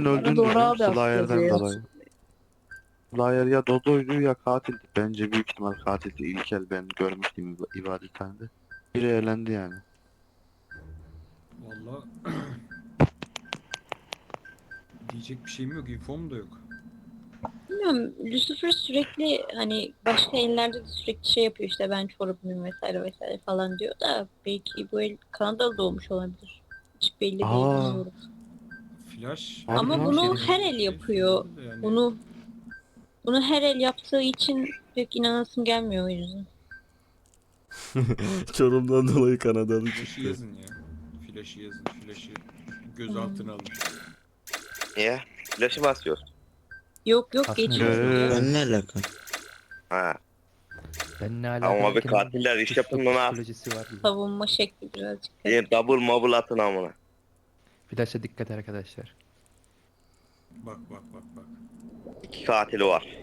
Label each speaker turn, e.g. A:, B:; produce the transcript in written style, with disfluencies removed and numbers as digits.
A: Kesin öldüğünü
B: Doğru
A: düşünüyorum
B: abi aslında
A: Slayer'den
B: ya.
A: dolayı. Slayer ya Dodo'ydu ya katildi. Bence büyük ihtimal katildi. İlkel ben görmüştüm ibadethanede. Biri eğlendi yani.
C: Valla diyecek bir şeyim yok, infom da yok.
B: Bilmiyorum. Lucifer sürekli hani başka ellerde de sürekli şey yapıyor işte ben çorabımım vesaire vesaire falan diyor da belki bu el Kanadalı doğmuş olabilir. Hiç belli değil
A: Aa,
B: bilmiyorum.
C: Flash
A: Harbi
B: Ama
A: lan.
B: bunu
C: şey
B: her el yapıyor.
C: söyleyebilir de yani
B: Bunu her el yaptığı için pek inanasım gelmiyor o yüzden.
D: Çorum'dan dolayı Kanadalı
C: Flash'ı
D: çıktı.
C: yazın ya. Flash'ı yazın. Flash'ı gözaltına alın.
E: Niye? Flash'ı basıyor.
B: Yok yok
F: Aslında
B: geçiyorsun ya.
F: ben ne
A: Eee,
F: alaka?
E: Ha.
F: ne alaka
E: Ama abi
F: derken
E: katiller iş
F: suçluluk
E: yapımını al.
F: psikolojisi var gibi.
B: Savunma şekli birazcık.
E: Double mobile atın amına.
F: Flash'a dikkat arkadaşlar.
C: Bak bak bak bak.
E: 2 katili var.